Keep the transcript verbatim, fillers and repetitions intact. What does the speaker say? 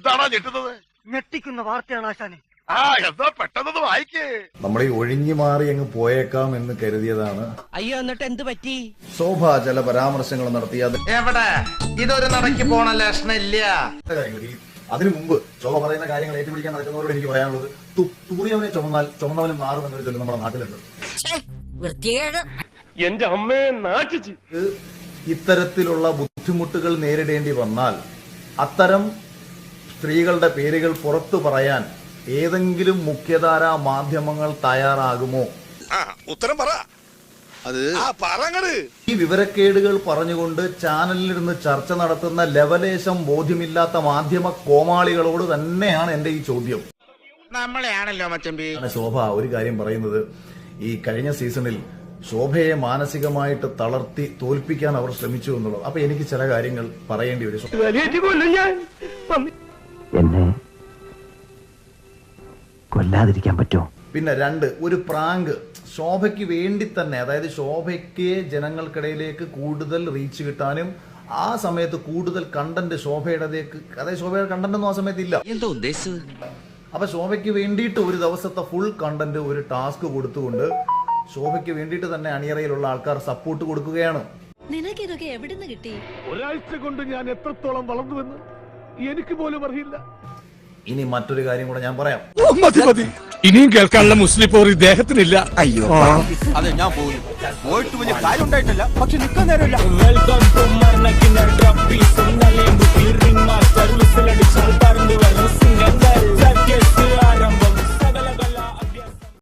എന്താണോ ഞെട്ടുന്നത്? ഞെട്ടിക്കുന്ന വാർത്തയാണ് ആശാനെ. ആ എന്താ പെട്ടെന്ന് വായിക്കേ. നമ്മൾ ഈ ഒഴിഞ്ഞു മാറി അങ്ങ് പോയേക്കാം എന്ന് കരുതിയതാണ്. അയ്യോ, എന്നിട്ട് എന്ത് പറ്റി? ശോഭ ചില പരാമർശങ്ങൾ നടത്തിയത് എവിടെ ഇതൊരു നടക്കി പോണ ലക്ഷണില്ല. അതിനു മുമ്പ് ശോഭ പറയുന്ന കാര്യങ്ങൾ ഏറ്റുപിടിക്കാൻ നടക്കുന്നവരോട് എനിക്ക് പറയാനുള്ളത്, തൂറിയവനെ ചുമന്നാൽ ചുമന്നവനും മാറുമെന്നൊരു ചൊല്ല് നമ്മുടെ നാട്ടിലുണ്ട്. എന്റെ അമ്മയെ നാട്ടിച്ച് ഇത്തരത്തിലുള്ള ബുദ്ധിമുട്ടുകൾ നേരിടേണ്ടി വന്നാൽ അത്തരം സ്ത്രീകളുടെ പേരുകൾ പുറത്തു പറയാൻ ഏതെങ്കിലും മുഖ്യധാരാ മാധ്യമങ്ങൾ തയ്യാറാകുമോ? ഉത്തരം പറ. അത് പറങ്ങട്. ഈ വിവരക്കേടുകൾ പറഞ്ഞുകൊണ്ട് ചാനലിലിരുന്ന് ചർച്ച നടത്തുന്ന ലവലേശം ബോധ്യമില്ലാത്ത മാധ്യമ കോമാളികളോട് തന്നെയാണ് എന്റെ ഈ ചോദ്യം. നമ്മളെയാണല്ലോ മച്ചമ്പി. ശോഭ ഒരു കാര്യം പറയുന്നത്, ഈ കഴിഞ്ഞ സീസണിൽ ശോഭയെ മാനസികമായിട്ട് തളർത്തി തോൽപ്പിക്കാൻ അവർ ശ്രമിച്ചു എന്നുള്ളത്. അപ്പൊ എനിക്ക് ചില കാര്യങ്ങൾ പറയേണ്ടി വരും. എന്നെ കൊല്ലാതിരിക്കാൻ പറ്റുമോ? പിന്നെ രണ്ട്, ഒരു പ്രാങ്ക് ശോഭയ്ക്ക് വേണ്ടി തന്നെ, അതായത് ശോഭയ്ക്ക് ജനങ്ങൾക്കിടയിലേക്ക് കൂടുതൽ റീച്ച് കിട്ടാനും ആ സമയത്ത് കൂടുതൽ കണ്ടന്റ് ശോഭയുടേക്ക്, അതായത് ശോഭയുടെ കണ്ടന്റ് ഒന്നും ആ സമയത്ത് ഇല്ല. എന്താ ഉദ്ദേശിച്ചത്? അപ്പൊ ശോഭയ്ക്ക് വേണ്ടിയിട്ട് ഒരു ദിവസത്തെ ഫുൾ കണ്ടന്റ് ഒരു ടാസ്ക് കൊടുത്തുകൊണ്ട് ശോഭയ്ക്ക് വേണ്ടിയിട്ട് തന്നെ അണിയറയിലുള്ള ആൾക്കാർ സപ്പോർട്ട് കൊടുക്കുകയാണ്. നിനക്കിതൊക്കെ എവിടുന്ന് കിട്ടി? ഒരാഴ്ച കൊണ്ട് ഞാൻ എത്രത്തോളം വളർന്നുവെന്ന് എനിക്ക് പോലും അറിയില്ല. ഇനി മറ്റൊരു കാര്യം കൂടെ ഞാൻ പറയാം. മതി മതി, ഇനിയും കേൾക്കാനുള്ള മുസ്ലിം പോർ ഇദ്ദേഹത്തിനില്ല. അയ്യോ അതെ, ഞാൻ പോയി പോയിട്ട് വലിയ കാര്യം ഉണ്ടായിട്ടില്ല, പക്ഷെ നിൽക്കാൻ നേരമില്ല. Welcome to